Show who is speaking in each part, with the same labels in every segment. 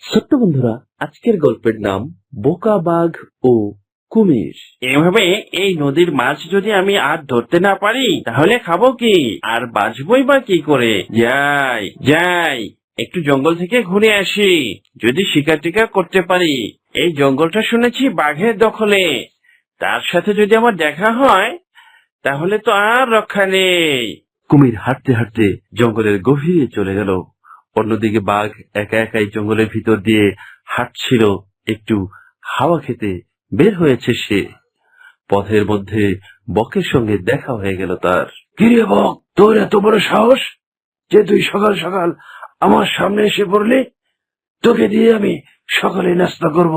Speaker 1: ছোট্ট বন্ধুরা, আজকের গল্পের নাম বোকা বাঘ ও কুমির।
Speaker 2: এভাবে এই নদীর মাছ যদি আমি আর ধরতে না পারি তাহলে খাবো কি, আর বাঁচবই বা কি করে? যাই যাই, একটু জঙ্গল থেকে ঘুরে আসি, যদি শিকার টিকার করতে পারি। এই জঙ্গলটা শুনেছি বাঘের দখলে, তার সাথে যদি আমার দেখা হয় তাহলে তো আর রক্ষা নেই।
Speaker 1: কুমির হাঁটতে হাঁটতে জঙ্গলের গভীরে চলে গেল। অন্যদিকে বাঘ একা একাই জঙ্গলের ভিতর দিয়ে হাঁটছিল। একটু হাওয়া খেতে বের হয়েছে সে। পথের মধ্যে বকের সঙ্গে দেখা হয়ে গেল তার। কিরে বক, তোর এত বড় সাহস যে তুই সকাল সকাল আমার সামনে এসে পড়লি? তোকে দিয়ে আমি সকালে নাস্তা করব।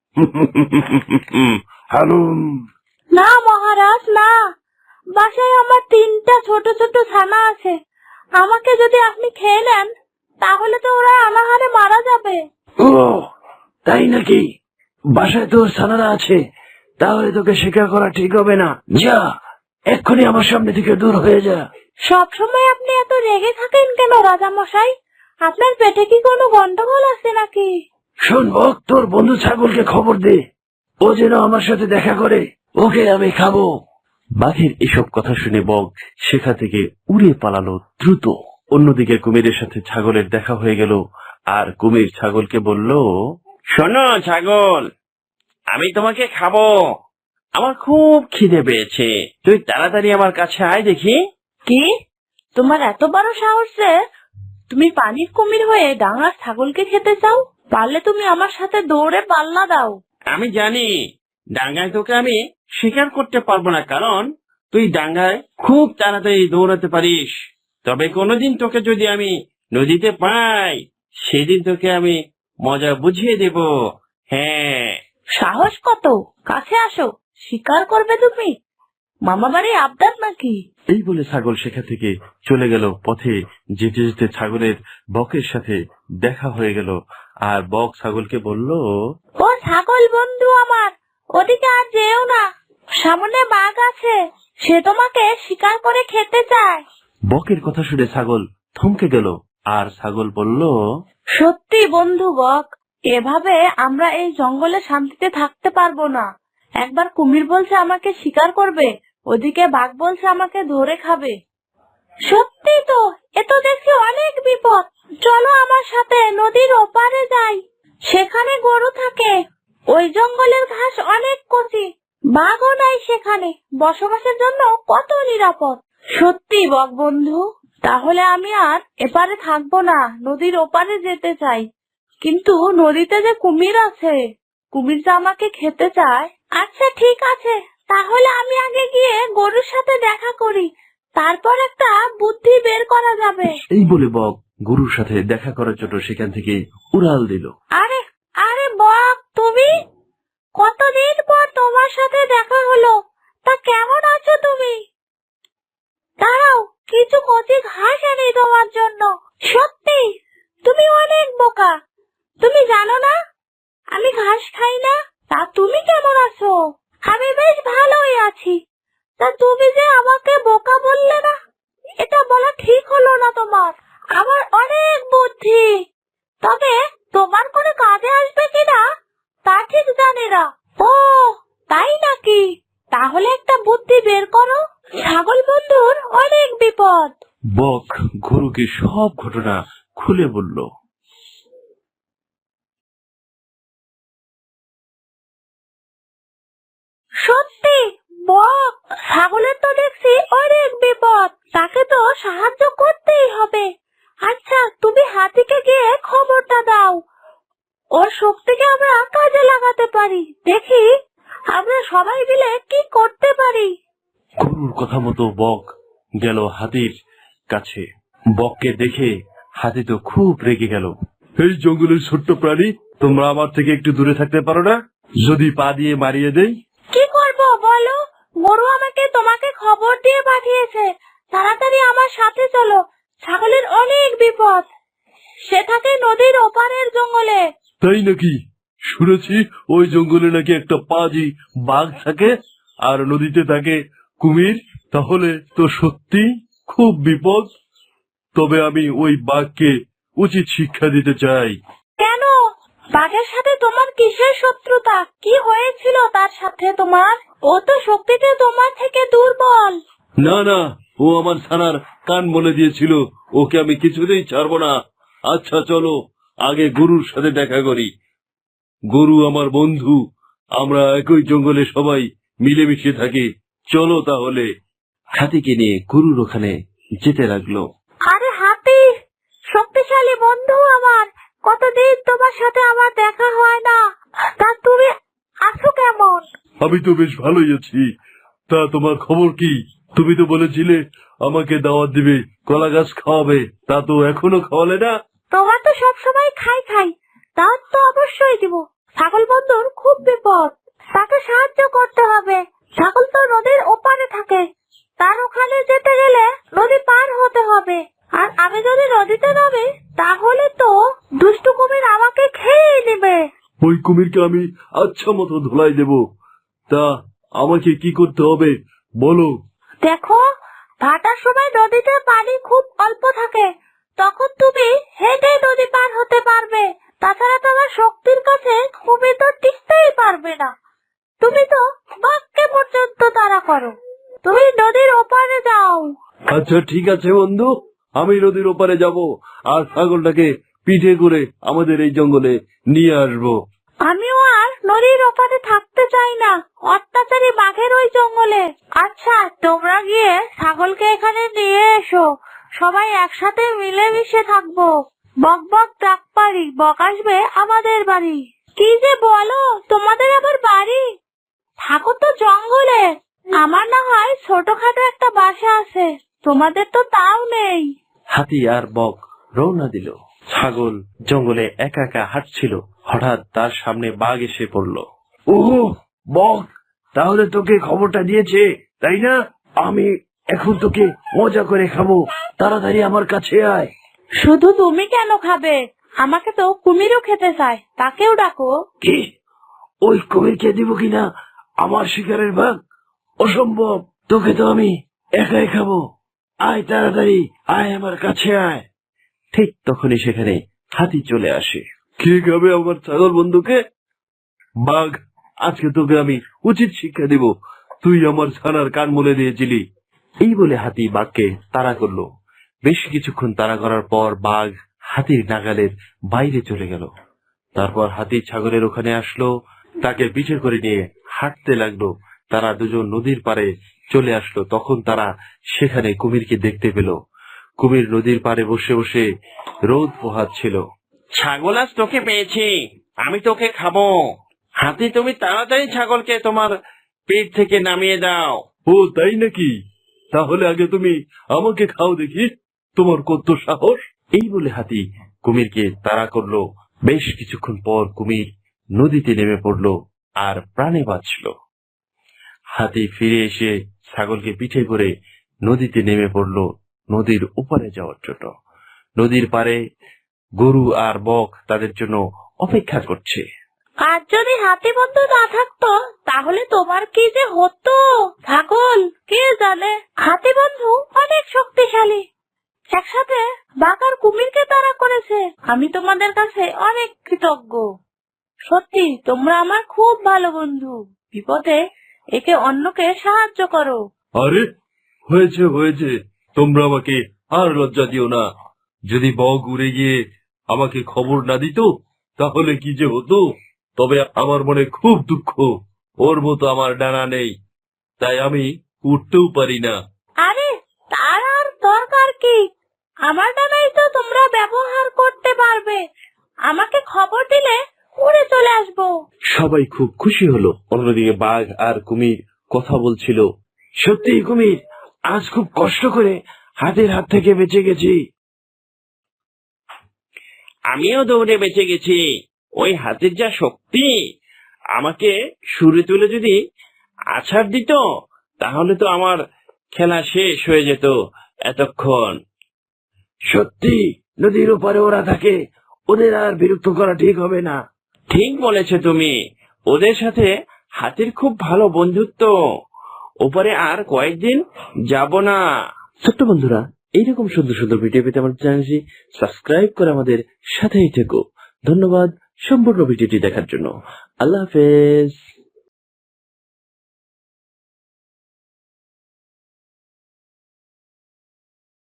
Speaker 1: হালুম।
Speaker 3: না মহারাজ, না। বাসায় আমার 3টা ছোট ছোট ছানা আছে। আমাকে যদি আপনি খেয়ে নেন তাহলে তো ওরা অনাহারে মারা যাবে।
Speaker 1: ও তাই নাকি? বাসায় তোর ছানারা আছে, তাহলে তোকে শিকার করা ঠিক হবে না। যা, এক্ষুনি আমার সামনে থেকে দূর হয়ে যা।
Speaker 3: সবসময় আপনি এত রেগে থাকেন কেন রাজা মশাই? আপনার পেটে কি কোনো গন্ডগোল আছে নাকি?
Speaker 1: শোন বক, তোর বন্ধু ছাগলকে খবর দে, ও যেন আমার সাথে দেখা করে, ওকে আমি খাবো। বাঘের এসব কথা শুনে বক সেখান থেকে উড়ে পালালো দ্রুত। অন্যদিকে কুমিরের সাথে ছাগলের দেখা হয়ে গেল, আর কুমির ছাগলকে বলল,
Speaker 2: শোনো ছাগল, আমি তোমাকে খাবো, আমার খুব খিদে পেয়েছে, তুই তাড়াতাড়ি আমার কাছে আয় দেখি।
Speaker 3: কি? তোমার এত বড় সাহস যে তুমি পানির কুমির হয়ে ডাঙার ছাগলকে খেতে চাও? পারলে তুমি আমার সাথে দৌড়ে পাল্লা দাও।
Speaker 2: আমি জানি ডাঙ্গায় তোকে আমি শিকার করতে পারবো না, কারণ তুই ডাঙ্গায় খুব তাড়াতাড়ি দৌড়াতে পারিস। তবে কোনোদিন তোকে যদি আমি নদীতে পাই, সেদিন তোকে আমি মজা বুঝিয়ে দেব। হ্যাঁ,
Speaker 3: সাহস কত? কাছে আসো, শিকার করবে তুমি? মামা বাড়ি আবদার নাকি?
Speaker 1: এই বলে ছাগল সেখান থেকে চলে গেল। পথে যেতে যেতে ছাগলের বকের সাথে দেখা হয়ে গেল, আর বক ছাগলকে বলল,
Speaker 3: ও ছাগল বন্ধু আমার, ওদিকে আর যেও না, সামনে বাঘ আছে, সে তোমাকে শিকার করে খেতে চায়।
Speaker 1: বকের কথা শুনে ছাগল থমকে গেল, আর ছাগল বলল,
Speaker 3: সত্যি বন্ধু বক, এভাবে আমরা এই জঙ্গলে শান্তিতে থাকতে পারবো না। একবার কুমির বলছে আমাকে শিকার করবে, ওদিকে বাঘ বলছে আমাকে ধরে খাবে। সত্যি তো, এ তো দেখছি অনেক বিপদ। চলো আমার সাথে নদীর ওপারে যাই, সেখানে গরু থাকে। ওই জঙ্গলের ঘাস অনেক কচি, বাঘও নাই সেখানে, বসবাসের জন্য কত নিরাপদ। সত্যি বক বন্ধু, তাহলে আমি আর এপারে থাকবো না, নদীর ওপারে যেতে চাই। কিন্তু নদীতে যে কুমির আছে, কুমির যে আমাকে খেতে চায়। আচ্ছা ঠিক আছে, তাহলে আমি আগে গিয়ে গরুর সাথে দেখা করি, তারপর একটা বুদ্ধি বের করা যাবে।
Speaker 1: এই বলে বক গরুর সাথে দেখা করার জন্য সেখান থেকে উড়াল দিল।
Speaker 3: আরে আরে বক, তুমি? কতদিন পর তোমার সাথে দেখা হলো, তা কেমন আছো তুমি? দাঁড়াও, কিছু কচি ঘাস এনে তোমার জন্য। সত্যি তুমি অনেক বোকা, তুমি জানো না আমি ঘাস খাই না। তা তুমি কেমন আছো? আমি বেশ ভালোই আছি। তা তুমি যে আমাকে বোকা বললে না, এটা বলা ঠিক হলো না তোমার। আমার অনেক বুদ্ধি, তবে তোমার কোনো কাজে আসবে কিনা তা ঠিক জানি না। ও তাই নাকি? তাহলে একটা বুদ্ধি বের করো, ছাগল বন্ধুর অনেক বিপদ।
Speaker 1: বক গরুকে সব ঘটনা খুলে বলল।
Speaker 3: সত্যি বক, ছাগলের তো দেখছি অনেক বিপদ, তাকে তো সাহায্য করতেই হবে। আচ্ছা তুমি হাতিকে গিয়ে খবরটা দাও, ওর শক্তিকে আমরা কাজে লাগাতে পারি। দেখি আমরা সবাই মিলে কি করতে পারি।
Speaker 1: গরুর কথা মতো বক গেল হাতির কাছে। বককে দেখে হাতি তো খুব রেগে গেল। এই জঙ্গলের ছোট্ট প্রাণী, তোমরা আমার থেকে একটু দূরে থাকতে পারো না? যদি পা দিয়ে মারিয়ে দেই?
Speaker 3: কি করব বলো? গরু আমাকে তোমাকে খবর দিয়ে পাঠিয়েছে, তাড়াতাড়ি আমার সাথে চলো, ছাগলের অনেক বিপদ, সে থাকে নদীর ওপারের জঙ্গলে।
Speaker 1: তাই নাকি? শুনেছি ওই জঙ্গলে নাকি একটা পাজি বাঘ থাকে, আর নদীতে থাকে কুমির। তাহলে তো সত্যি খুব বিপদ। তবে আমি ওই বাঘকে উচিত শিক্ষা দিতে চাই।
Speaker 3: কেন? বাঘের সাথে তোমার কিসের শত্রুতা? কি হয়েছিল তার সাথে তোমার? ও তো শক্তিতে তোমার থেকে দুর্বল।
Speaker 1: না না, ও আমার ছানার কান বলে দিয়েছিল, ওকে আমি কিছুতেই ছাড়বো না। আচ্ছা চলো আগে গরুর সাথে দেখা করি। গরু আমার বন্ধু, আমরা একই জঙ্গলে সবাই মিলেমিশে থাকি। চলো তাহলে। হাতিকে নিয়ে গরুর ওখানে যেতে লাগলো।
Speaker 3: আরে হাতি, শক্তিশালী বন্ধু আমার, কতদিন তোমার সাথে আমার দেখা হয় না। তা তুমি আছো কেমন?
Speaker 1: আমি তো বেশ ভালোই আছি। তা তোমার খবর কি? তুমি তো বলেছিলে আমাকে দাওয়াত দিবে, কলা গাছ খাওয়াবে, তা তো এখনো খাওয়ালে না।
Speaker 3: তোমার তো সবসময় খাই খাই, দাওয়াত তো অবশ্যই দিব। ছাগল বন্ধুর খুব বিপদ, তাকে সাহায্য করতে হবে। ছাগল তো নদীর ওপারে থাকে, তার ওখানে যেতে গেলে নদী পার হতে হবে। আর আমি যদি নদীতে নামি তাহলে তো দুষ্টু কুমির আমাকে খেয়ে নেবে।
Speaker 1: ওই কুমিরকে আমি আচ্ছা মতো ধোলাই দেব। তা আমাকে কি করতে হবে বলো?
Speaker 3: দেখো, ভাটার সময় নদীতে পানি খুব অল্প থাকে, তখন তুমি হেঁটে নদী পার হতে পারবে। তাছাড়া তোমার শক্তির কাছে কুমির তো টিকতেই পারবে না। তুমি তো বাঘকে পর্যন্ত তাড়া করো। তুমি নদীর ওপারে যাও।
Speaker 1: আচ্ছা ঠিক আছে বন্ধু, আমি নদীর ওপারে যাব আর ছাগলটাকে পিঠে করে আমাদের এই জঙ্গলে নিয়ে আসবো।
Speaker 3: আমিও আর নদীর ওপারে থাকতে চাই না, অত্যাচারী বাঘের ওই জঙ্গলে। আচ্ছা, তোমরা গিয়ে ছাগলকে এখানে নিয়ে এসো, সবাই একসাথে মিলেমিশে থাকবো। বক বক ডাক পারি, বক আসবে আমাদের বাড়ি। কি যে বলো, তোমাদের আবার বাড়ি? থাকো তো জঙ্গলে, আমার না হয় ছোটখাটো একটা বাসা আছে, তোমাদের তো তাও নেই।
Speaker 1: হাতি আর বক রওনা দিল। ছাগল জঙ্গলে একা একা হাঁটছিল, হঠাৎ তার সামনে বাঘ এসে পড়ল। ওহো বক, তাহলে তোকে খবরটা দিয়েছে তাই না? আমি এখন তোকে মজা করে খাবো, তাড়াতাড়ি আমার কাছে আয়।
Speaker 3: শুধু তুমি কেন খাবে? আমাকে তো কুমিরও খেতে চায়, তাকেও ডাকো।
Speaker 1: কি? ওই কুমিরকে দিব কিনা আমার শিকারের ভাগ? অসম্ভব, তোকে তো আমি একাই খাবো। আয় তাড়াতাড়ি, আয় আমার কাছে আয়। ঠিক তখনই সেখানে হাতি চলে আসে। কে খাবে আমার ছাগল বন্ধুকে? বাঘ, আজকে তোকে আমি উচিত শিক্ষা দিব। তুই আমার ছানার কান বলে দিয়েছিলি। এই বলে হাতি বাঘকে তাড়া করলো। বেশ কিছুক্ষণ তাড়া করার পর বাঘ হাতির নাগালের বাইরে চলে গেল। তারপর হাতি ছাগলের ওখানে আসলো, তাকে পিঠে করে নিয়ে হাঁটতে লাগলো। তারা দুজন নদীর পাড়ে চলে আসলো। তখন তারা সেখানে কুমিরকে দেখতে পেল। কুমির নদীর পাড়ে বসে বসে রোদ পোহাচ্ছিল।
Speaker 2: ছাগল আজ তোকে পেয়েছি, আমি তোকে খাবো। হাতি, তুমি তাড়াতাড়ি ছাগলকে তোমার পেট থেকে নামিয়ে দাও।
Speaker 1: ও তাই নাকি? তাহলে আগে তুমি আমাকে খাও দেখি, তোমার কত সাহস। এই বলে হাতি কুমিরকে তাড়া করলো। বেশ কিছুক্ষণ পর কুমির নদীতে নেমে পড়লো আর প্রাণে বাঁচল। হাতি ফিরে এসে ছাগলকে পিঠে করে নদীতে নেমে পড়লো নদীর ওপারে যাওয়ার জন্য। নদীর পাড়ে গরু আর বক তাদের জন্য অপেক্ষা করছে।
Speaker 3: আর যদি হাতি বন্ধু না থাকতো তাহলে তোমার কি যে হতো? ছাগল, কে জানে, হাতি বন্ধু অনেক শক্তিশালী, একসাথে বাঘ আর কুমিরকে তাড়া করেছে। আমি তোমাদের কাছে অনেক কৃতজ্ঞ। সত্যি তোমরা আমার খুব ভালো বন্ধু। বিপদে একে অন্যকে সাহায্য করো।
Speaker 1: আরে হয়েছে হয়েছে, তোমরা আমাকে আর লজ্জা দিও না। যদি বক উড়ে গিয়ে আমাকে খবর না দিত তাহলে কি যে হতো। তবে আমার মনে খুব দুঃখ, ওর মতো আমার ডানা নেই, তাই আমি উঠতেও পারি না।
Speaker 3: আরে তার আর দরকার কি? আমার ডানাই তো তোমরা ব্যবহার করতে পারবে। আমাকে খবর দিলে উড়ে চলে আসবো।
Speaker 1: সবাই খুব খুশি হলো। অন্যদিকে বাঘ আর কুমির কথা বলছিল। সত্যি কুমির, আজ খুব কষ্ট করে হাতের হাত থেকে বেঁচে গেছি।
Speaker 2: আমিও দৌড়ে বেঁচে গেছি। ওই হাতির যা শক্তি, আমাকে সুরে তুলে যদি আছাড় দিত তাহলে তো আমার খেলা শেষ হয়ে যেত এতক্ষণ।
Speaker 1: সত্যি নদীর ওপারে ওরা থাকে, ওদের আর বিরক্ত করা ঠিক হবে না।
Speaker 2: ঠিক বলেছো তুমি, ওদের সাথে হাতির খুব ভালো বন্ধুত্ব। ওপারে আর কয়েকদিন যাব না।
Speaker 1: ছোট্ট বন্ধুরা, এইরকম সুন্দর সুন্দর ভিডিও পেতে আমাদের চ্যানেলটি সাবস্ক্রাইব করে আমাদের সাথেই থেকো। ধন্যবাদ সম্পূর্ণ ভিডিওটি দেখার জন্য। আল্লাহ হাফেজ।